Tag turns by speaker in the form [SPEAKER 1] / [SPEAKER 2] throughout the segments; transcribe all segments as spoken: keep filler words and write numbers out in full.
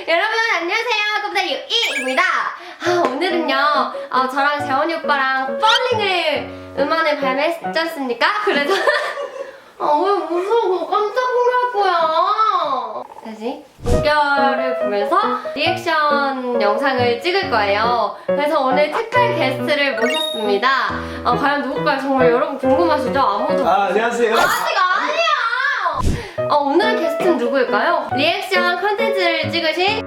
[SPEAKER 1] 여러분 안녕하세요. 꼼다리 유이입니다. 아, 오늘은요 어, 저랑 재원이 오빠랑 펄링을 음원을 발매했지 않습니까? 그래서 아, 왜 무서워. 깜짝 놀랄 거야. 다시 무결을 보면서 리액션 영상을 찍을 거예요. 그래서 오늘 특별 게스트를 모셨습니다. 어, 과연 누굴까요? 정말 여러분 궁금하시죠? 아무도
[SPEAKER 2] 아, 안녕하세요.
[SPEAKER 1] 아직 아니야! 어, 오늘 게스트는 누구일까요? 리액션 컨텐츠를 찍으신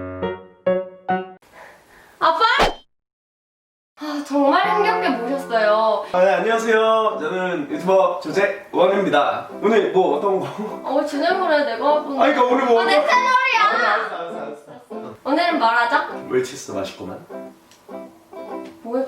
[SPEAKER 1] 아빠? 아, 정말 힘겹게 모셨어요.
[SPEAKER 2] 아, 네, 안녕하세요. 저는 유튜버 조재원입니다. 오늘 뭐 어떤 거?
[SPEAKER 1] 어, 진행을 해. 내가 할 건데.
[SPEAKER 2] 아, 그러니까 오늘 뭐
[SPEAKER 1] 아, 내
[SPEAKER 2] 어떤-
[SPEAKER 1] 채널이야!
[SPEAKER 2] 알았어, 알았어, 알았어.
[SPEAKER 1] 오늘은 뭘 하죠?
[SPEAKER 2] 웰치스 맛있구만.
[SPEAKER 1] 뭐야?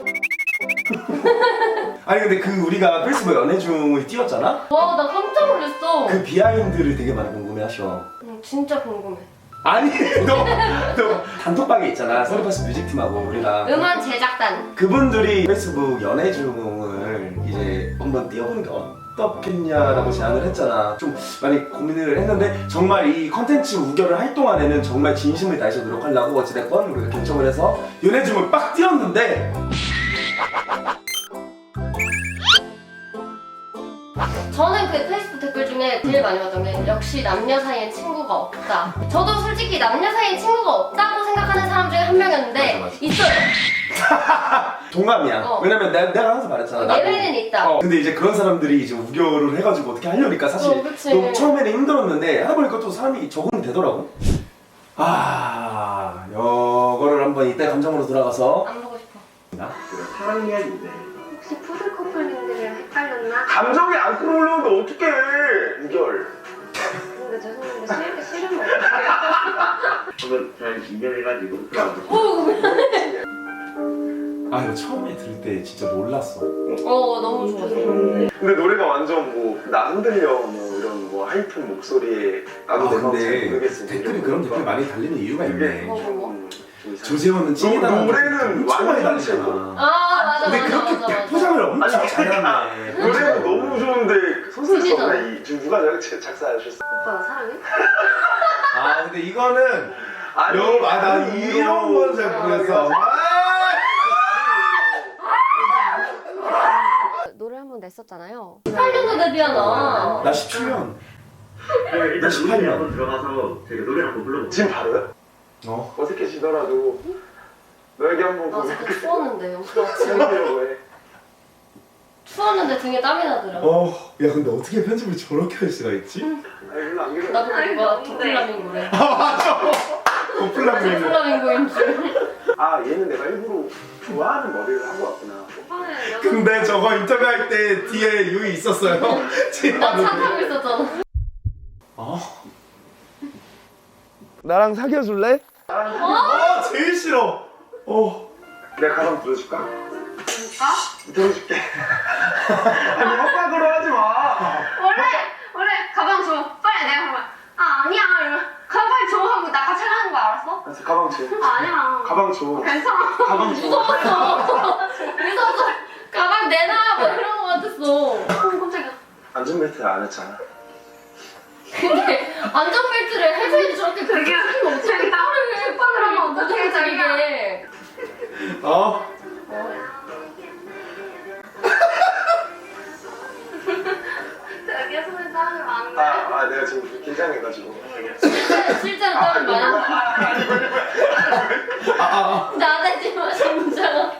[SPEAKER 2] 아니 근데 그 우리가 페이스북 연애중을 띄웠잖아?
[SPEAKER 1] 와, 나 깜짝 놀랐어.
[SPEAKER 2] 그 비하인드를 되게 많이 궁금해하셔.
[SPEAKER 1] 응, 진짜 궁금해.
[SPEAKER 2] 아니 너, 너 단톡방에 있잖아. 서리파스 뮤직팀하고 우리랑
[SPEAKER 1] 음원 제작단.
[SPEAKER 2] 그분들이 페이스북 연애중을 이제 한번 띄워보는 게 어떻겠냐라고 제안을 했잖아. 좀 많이 고민을 했는데 정말 이 컨텐츠 우결을 할 동안에는 정말 진심을 다해서 노력하려고 어찌됐건 우리가 결정을 해서 연애중을 빡 띄웠는데
[SPEAKER 1] 저는 그 페이스북 댓글 중에 제일 많이 봤던 게 역시 남녀 사이엔 친구가 없다. 저도 솔직히 남녀 사이엔 친구가 없다고 생각하는 사람 중에 한 명이었는데
[SPEAKER 2] 맞아, 맞아.
[SPEAKER 1] 있어요.
[SPEAKER 2] 동감이야.
[SPEAKER 1] 어.
[SPEAKER 2] 왜냐면 내가, 내가 항상 말했잖아. 나도.
[SPEAKER 1] 예외는 있다.
[SPEAKER 2] 어, 근데 이제 그런 사람들이 이제 우결을 해가지고 어떻게 하려니까 사실
[SPEAKER 1] 어, 그치.
[SPEAKER 2] 너무 처음에는 힘들었는데 하다 보니까 또 사람이 적응이 되더라고. 아, 이거를 한번 이때 감정으로 돌아가서
[SPEAKER 1] 안 보고 싶어.
[SPEAKER 2] 사랑 이야기인데
[SPEAKER 1] 혹시 푸드 커플님들이랑 헷갈렸나?
[SPEAKER 2] 감정이 안 끌어올라오는데 어떡해 우결.
[SPEAKER 1] 근데 죄송한데 싫, 싫으면 어떡해요?
[SPEAKER 3] 저는 잘 이겨내가지고
[SPEAKER 2] 아 이거 처음에 들을 때 진짜 놀랐어.
[SPEAKER 1] 어, 너무 좋아서.
[SPEAKER 4] 근데 노래가 완전 뭐 나 흔들려 뭐 이런 뭐 하이픈 목소리에 나도
[SPEAKER 2] 아
[SPEAKER 4] 내가 잘
[SPEAKER 2] 근데
[SPEAKER 4] 모르겠어
[SPEAKER 2] 댓글이 그런 댓글 많이 달리는 이유가 있네.
[SPEAKER 1] 뭐, 뭐, 뭐.
[SPEAKER 4] 음, 좀 이상해.
[SPEAKER 2] 조재원은 찐이다는
[SPEAKER 4] 노래는
[SPEAKER 2] 엄청 많이
[SPEAKER 4] 완전
[SPEAKER 2] 달리잖아.
[SPEAKER 1] 아, 맞아,
[SPEAKER 2] 근데
[SPEAKER 1] 맞아,
[SPEAKER 2] 그렇게
[SPEAKER 1] 맞아, 맞아.
[SPEAKER 2] 포장을 엄청
[SPEAKER 4] 아니,
[SPEAKER 2] 잘하네.
[SPEAKER 4] 노래는 너무 좋은데 소설
[SPEAKER 1] 찐이잖아.
[SPEAKER 4] 썼나 이 지금 누가 저렇게 작사하셨어?
[SPEAKER 1] 오빠 나 사랑해?
[SPEAKER 2] 아 근데 이거는
[SPEAKER 4] 아니,
[SPEAKER 2] 여, 아, 나
[SPEAKER 4] 아니,
[SPEAKER 2] 이런 건 잘 모르겠어.
[SPEAKER 1] 노래 한 번 냈었잖아요. 십팔 년도 데뷔하나?
[SPEAKER 2] 나 십칠 년.
[SPEAKER 3] 일단
[SPEAKER 2] 십팔
[SPEAKER 3] 노래
[SPEAKER 2] 년.
[SPEAKER 3] 한번 들어가서 제가 노래 한번 불러볼게요.
[SPEAKER 4] 지금 바로요?
[SPEAKER 2] 어.
[SPEAKER 4] 어색해지더라도 너에게 한번
[SPEAKER 1] 나 진짜 추웠는데 오빠 지금
[SPEAKER 4] 고백해보려고 해.
[SPEAKER 1] 추웠는데 등에 땀이 나더라.
[SPEAKER 2] 어. 야 근데 어떻게 편집을 저렇게 할 수가 있지?
[SPEAKER 4] 아니 별로 안 그래.
[SPEAKER 1] 나도 그거 도플라밍고래.
[SPEAKER 2] 아 맞아. 도플라밍고.
[SPEAKER 1] 도플라밍고인 줄.
[SPEAKER 4] 아 얘는 내가 일부러 좋아하는 머리를 하고 왔구나.
[SPEAKER 2] 근데 저거 인터뷰할 때 뒤에 유이 있었어요.
[SPEAKER 1] 나 차 타고 있었잖아.
[SPEAKER 2] 어?
[SPEAKER 4] 나랑 사귀어줄래?
[SPEAKER 2] 아 제일 싫어. 어.
[SPEAKER 4] 내가 가방 들어줄까?
[SPEAKER 1] 진짜?
[SPEAKER 4] 들어줄게. 아니 협박으로 하지 마.
[SPEAKER 1] 원래 원래 가방 줘. 빨리 내가 가방. 아 아니야 이러면 가방 줘 하고 나 같이 가는 거 알았어?
[SPEAKER 4] 알았어, 가방 줘.
[SPEAKER 1] 아 아니야.
[SPEAKER 4] 가방 줘.
[SPEAKER 1] 괜찮아.
[SPEAKER 4] 가방 줘.
[SPEAKER 1] 무서웠어. 무서워서 가방 내놔 뭐 이런 거 같았어. 어 깜짝이야.
[SPEAKER 4] 안전벨트 안 했잖아.
[SPEAKER 1] 근데 안전벨트를 해줘야지 저렇게 그렇게 하면 어떻게 땀을 빡을 하면 어떻게 자기게.
[SPEAKER 2] 어?
[SPEAKER 1] 자기가 손에 땀을 많이
[SPEAKER 4] 아, 아 내가 지금 긴장해가지고.
[SPEAKER 1] 실제로, 실제로 땀을 많이 나. 나대지 마 진짜.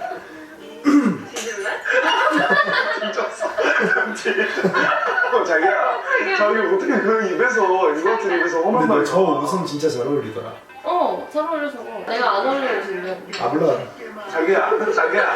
[SPEAKER 4] 어, 자기야, 자기 어떻게 그 입에서 이것들 입에서 험한
[SPEAKER 2] 근데
[SPEAKER 4] 말.
[SPEAKER 2] 너 저 웃음 진짜 잘 어울리더라.
[SPEAKER 1] 어, 잘 어울려 저거. 내가 안 어울리는 진데.
[SPEAKER 2] 아 몰라.
[SPEAKER 4] 자기야, 자기야.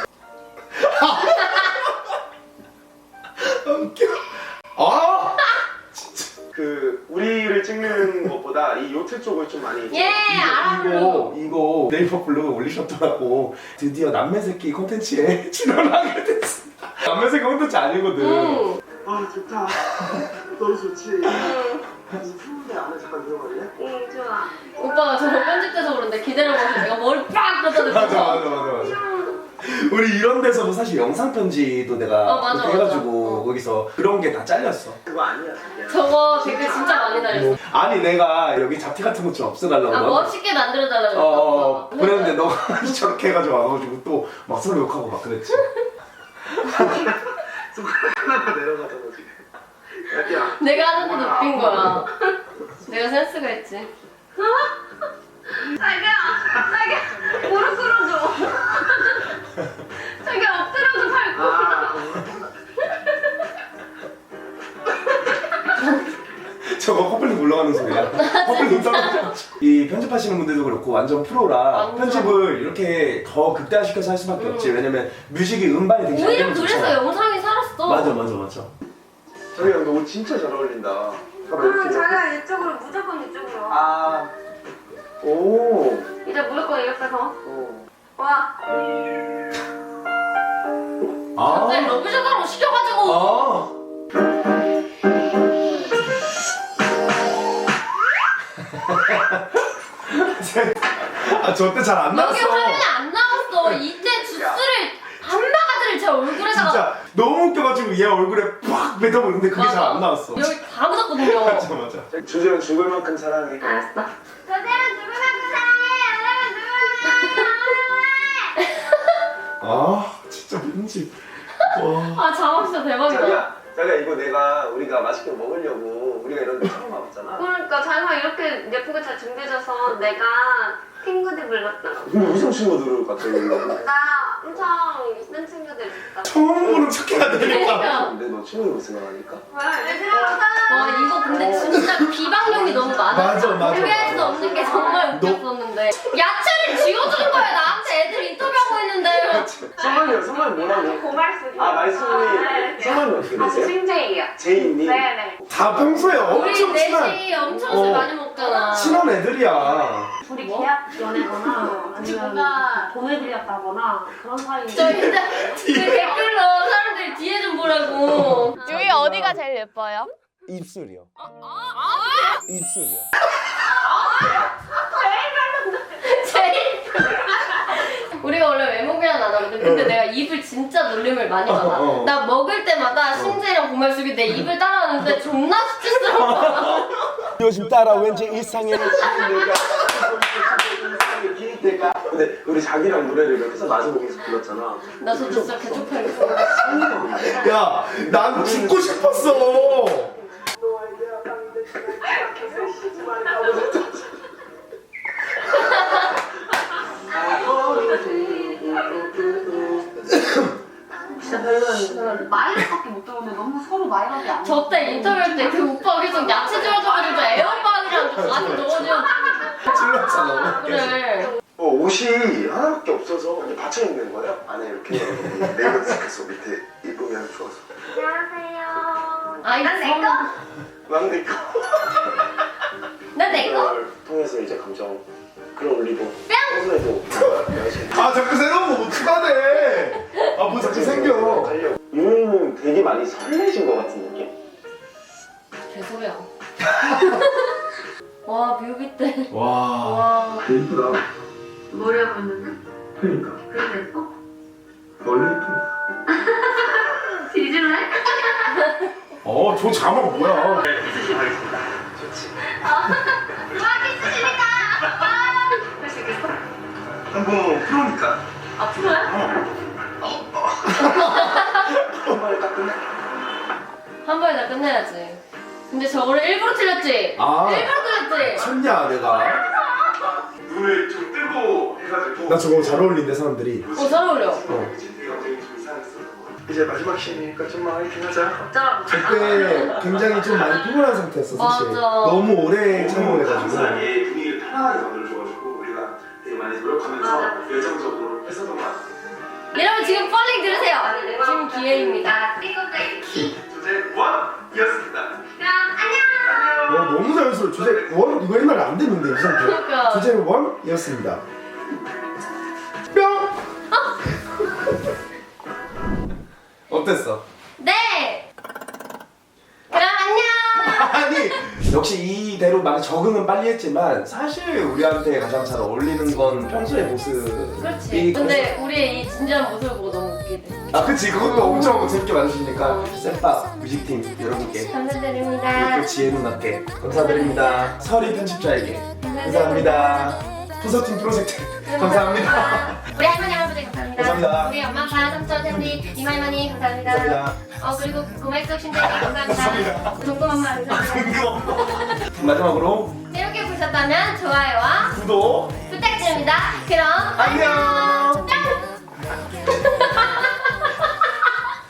[SPEAKER 2] 웃겨. 아!
[SPEAKER 4] 그 우리를 찍는 것보다 이 요트 쪽을 좀 많이.
[SPEAKER 1] 예, 알아요.
[SPEAKER 2] 이거 이거 네이버 블로그에 올리셨더라고. 드디어 남매새끼 콘텐츠에 출연하게 됐습니다. 남매새끼 콘텐츠 아니거든.
[SPEAKER 1] 응.
[SPEAKER 4] 아 좋다. 너무 좋지.
[SPEAKER 1] 응.
[SPEAKER 4] 그래서 푸는데 안에 잠깐 들어갈래?
[SPEAKER 1] 응, 좋아. 오빠가 저거 편집돼서 그런데 기다려봐서 내가 머리 빡 갖다 대고.
[SPEAKER 2] 맞아 맞아 맞아 맞아. 우리 이런 데서도 사실 영상 편지도 내가
[SPEAKER 1] 어, 맞아,
[SPEAKER 2] 그렇게
[SPEAKER 1] 맞아.
[SPEAKER 2] 해가지고 거기서 그런 게 다 잘렸어.
[SPEAKER 4] 그거 아니야 그냥.
[SPEAKER 1] 저거 댓글 진짜 많이 달렸어.
[SPEAKER 2] 아니 내가 여기 잡티 같은 거 좀 없애달라고
[SPEAKER 1] 아
[SPEAKER 2] 막-
[SPEAKER 1] 멋있게 만들어달라고
[SPEAKER 2] 어, 어,
[SPEAKER 1] 했어.
[SPEAKER 2] 그랬는데 너가 저렇게 해가지고 와가지고 또 막 서로 욕하고 막 그랬지.
[SPEAKER 4] 손가락 하나가 내려가잖아 지금. 야
[SPEAKER 1] 내가 하는데 높인 거야. 내가 센스가 있지. 자기야, 자기야, 무릎 꿇어줘. 자기야, 엎드려줘, 밟고.
[SPEAKER 4] 아,
[SPEAKER 2] 저거 커플링 올라가는 소리야. 커플링 떨어져. 이 편집하시는 분들도 그렇고 완전 프로라
[SPEAKER 1] 완전.
[SPEAKER 2] 편집을 이렇게 더 극대화시켜서 할 수밖에 없지.
[SPEAKER 1] 음.
[SPEAKER 2] 왜냐면 뮤직이 음반이 되게 잘
[SPEAKER 1] 오히려
[SPEAKER 2] 되면
[SPEAKER 1] 그래서
[SPEAKER 2] 좋잖아.
[SPEAKER 1] 영상이 살았어.
[SPEAKER 2] 맞아 맞아 맞아.
[SPEAKER 4] 자기야 너 옷 진짜 잘 어울린다.
[SPEAKER 1] 아, 자기야, 이쪽으로, 무조건 이쪽으로.
[SPEAKER 4] 아, 오,
[SPEAKER 1] 이제 무조건 이렇게 해서.
[SPEAKER 4] 어.
[SPEAKER 1] 와.
[SPEAKER 2] 아.
[SPEAKER 1] 갑자기 러브샷으로 시켜가지고.
[SPEAKER 2] 아. 아, 저 때 잘 안
[SPEAKER 1] 여기
[SPEAKER 2] 나왔어.
[SPEAKER 1] 화면에 안 나왔어. 이때 주스를 반바가지를 제 얼굴에다가.
[SPEAKER 2] 진짜 너무 웃겨가지고 얘 얼굴에 팍 뱉어보는데 그게 잘 안 나왔어.
[SPEAKER 1] 여기 다 묻었거든요.
[SPEAKER 2] 맞아 맞아.
[SPEAKER 4] 주제는 죽을 만큼 사랑해.
[SPEAKER 1] 알았어. 저대로 누구나 사랑해. 여러분 누구나
[SPEAKER 2] 아 진짜 뭔지. 와.
[SPEAKER 1] 아 자막 진짜 대박이다.
[SPEAKER 4] 자기야, 자기야 이거 내가 우리가 맛있게 먹으려고 우리가 이런 데 처음 와봤잖아.
[SPEAKER 1] 그러니까 자기가 이렇게 예쁘게 잘 준비해줘서 내가 친구들 불렀다.
[SPEAKER 4] 근데 무슨 친구들을 갑자기
[SPEAKER 1] 나 엄청 이쁜 친구들 있다.
[SPEAKER 2] 처음 보는 척해야 되니까.
[SPEAKER 1] 그러니까.
[SPEAKER 4] 근데 너 친구들 생각하니까?
[SPEAKER 1] 와 이거 근데 진짜 비방용이 너무 많아.
[SPEAKER 2] 맞아, 맞아,
[SPEAKER 1] 준비할 수도
[SPEAKER 2] 맞아.
[SPEAKER 1] 없는 게 정말
[SPEAKER 2] 너-
[SPEAKER 1] 웃겼었는데 야채를 쥐어주는 거야 나한테 애들 인터뷰하고 있는데.
[SPEAKER 4] 성함이요, 성함이 뭐라고?
[SPEAKER 1] 고말숙이.
[SPEAKER 4] 아, 말씀이 성함이 어떻게 되세요?
[SPEAKER 1] 신재이요.
[SPEAKER 4] 제이님?
[SPEAKER 1] 네네.
[SPEAKER 2] 다 평소에
[SPEAKER 1] 우리
[SPEAKER 2] 엄청 친한
[SPEAKER 1] 넷이 엄청 술
[SPEAKER 2] 어.
[SPEAKER 1] 많이 먹잖아.
[SPEAKER 2] 친한 애들이야.
[SPEAKER 5] 둘이 계약 연애거나 아니면 돈을 들였다거나 그런 사이.
[SPEAKER 1] 저 진짜 그 댓글로 사람들이 뒤에 좀 보라고.
[SPEAKER 6] 유이 어디가 제일 예뻐요?
[SPEAKER 2] 입술이요. 입술이요.
[SPEAKER 1] 제일 우리가 원래 외모 교환 안 하거든. 근데
[SPEAKER 2] 어.
[SPEAKER 1] 내가 입을 진짜 놀림을 많이 받아.
[SPEAKER 2] 어, 어.
[SPEAKER 1] 나 먹을 때마다 신재랑 고말숙이 내 입을 따라하는데 존나 수치스러워.
[SPEAKER 2] 요즘 따라 왠지 이상해.
[SPEAKER 4] 근데 우리 자기랑 노래를 이렇게 해서 마주보면서 불렀잖아.
[SPEAKER 1] 나 저 진짜 개쪽팔렸어.
[SPEAKER 2] 야, 난 죽고 싶었어.
[SPEAKER 5] 진짜 별로였는데 마이너스밖에 못 들었는데 너무 서로 마이너스 안.
[SPEAKER 1] 저 때 인터뷰할 때 그 오빠가 계속 야채 줄여줘가지고 에어빵이랑 같이 넣어줘.
[SPEAKER 2] 찔렀잖아.
[SPEAKER 1] 그래.
[SPEAKER 4] 어, 옷이 하나밖에 없어서 이렇게 받쳐 입는 거예요? 안에 이렇게 레이어드해서 밑에 입으면 좋아서.
[SPEAKER 1] 안녕하세요. 아 이거 내 거?
[SPEAKER 4] 난 내 거.
[SPEAKER 1] 난내 거?
[SPEAKER 4] 그걸 통해서 이제 감정 끌어올리고 평소에도 열심히
[SPEAKER 2] 아, 자꾸 새로운 거 못 추가돼. 아, 뭐 자꾸 생겨.
[SPEAKER 4] 하려고. 유미는 되게 많이 설레신 것 같은 느낌?
[SPEAKER 1] 개소리야. 와 뮤비 때.
[SPEAKER 2] 와.
[SPEAKER 1] 와.
[SPEAKER 4] 예쁘다.
[SPEAKER 1] 머리 하고 있는데?
[SPEAKER 4] 그러니까.
[SPEAKER 1] 그래도 예뻐?
[SPEAKER 4] 원래 예쁘다.
[SPEAKER 1] 뒤질래?
[SPEAKER 2] 어, 저 자막 뭐야?
[SPEAKER 3] 이수시 하겠습니다.
[SPEAKER 4] 좋지.
[SPEAKER 1] 와 기스시니까. 할 수 있겠어?
[SPEAKER 4] 한번 프로니까.
[SPEAKER 1] 아 프로야?
[SPEAKER 4] 한 번에 딱 끝내.
[SPEAKER 1] 한 번에 다 끝내야지. 근데 저거를 일부러 틀렸지?
[SPEAKER 2] 아.
[SPEAKER 1] 일부러 틀렸지?
[SPEAKER 2] 쳤냐, 내가?
[SPEAKER 4] 눈을 좀 뜨고 해가지고.
[SPEAKER 2] 나 저거 잘 어울린대, 사람들이.
[SPEAKER 1] 어 잘 어울려.
[SPEAKER 2] 어.
[SPEAKER 4] 이제 마지막 시니까 좀만 화이팅 하자.
[SPEAKER 1] 짜.
[SPEAKER 2] 그때 굉장히 좀 많이 피곤한 상태였어, 사실.
[SPEAKER 1] 맞아.
[SPEAKER 2] 너무 오래 참고해가지고.
[SPEAKER 4] 감사하게 분위기를 편안하게 만들어줘가지고 우리가 되게 많이 노력하면서 열정적으로 했었던 것 같아요.
[SPEAKER 1] 여러분 지금 펄링 들으세요. 지금 기회입니다.
[SPEAKER 4] 주제 원이었습니다.
[SPEAKER 2] 어, 너무 자연스러워. 주제 원? 이거 옛날에 안 됐는데, 이 상태.
[SPEAKER 1] 그러니까.
[SPEAKER 2] 주제 원이었습니다. 뿅! 어땠어?
[SPEAKER 1] 네. 그럼 안녕.
[SPEAKER 2] 아니 역시 이대로 많이 적응은 빨리 했지만 사실 우리한테 가장 잘 어울리는 건 평소의 모습이
[SPEAKER 1] 그렇지. 근데 우리의 이 진지한 모습을 보고 너무 웃겨.
[SPEAKER 2] 아 그치 그것도 엄청 재밌게 만드시니까 쌤밥 뮤직팀 여러분께
[SPEAKER 1] 감사드립니다.
[SPEAKER 2] 그 지혜 누나께 감사드립니다. 설이 편집자에게 감사합니다. 토서팀 프로젝트 감사합니다.
[SPEAKER 1] 우리 할머니 할아버지 감사합니다.
[SPEAKER 2] 감사합니다.
[SPEAKER 1] 우리 엄마 아빠 삼촌 샘디 이마이머니 감사합니다.
[SPEAKER 2] 감사합니다.
[SPEAKER 1] 어 그리고 고말숙 신대리 감사합니다.
[SPEAKER 2] 감사합니다.
[SPEAKER 1] 동금 엄마 감사합니다.
[SPEAKER 2] 마지막으로
[SPEAKER 1] 재밌게 보셨다면 좋아요와
[SPEAKER 2] 구독
[SPEAKER 1] 부탁드립니다. 그럼
[SPEAKER 2] 안녕.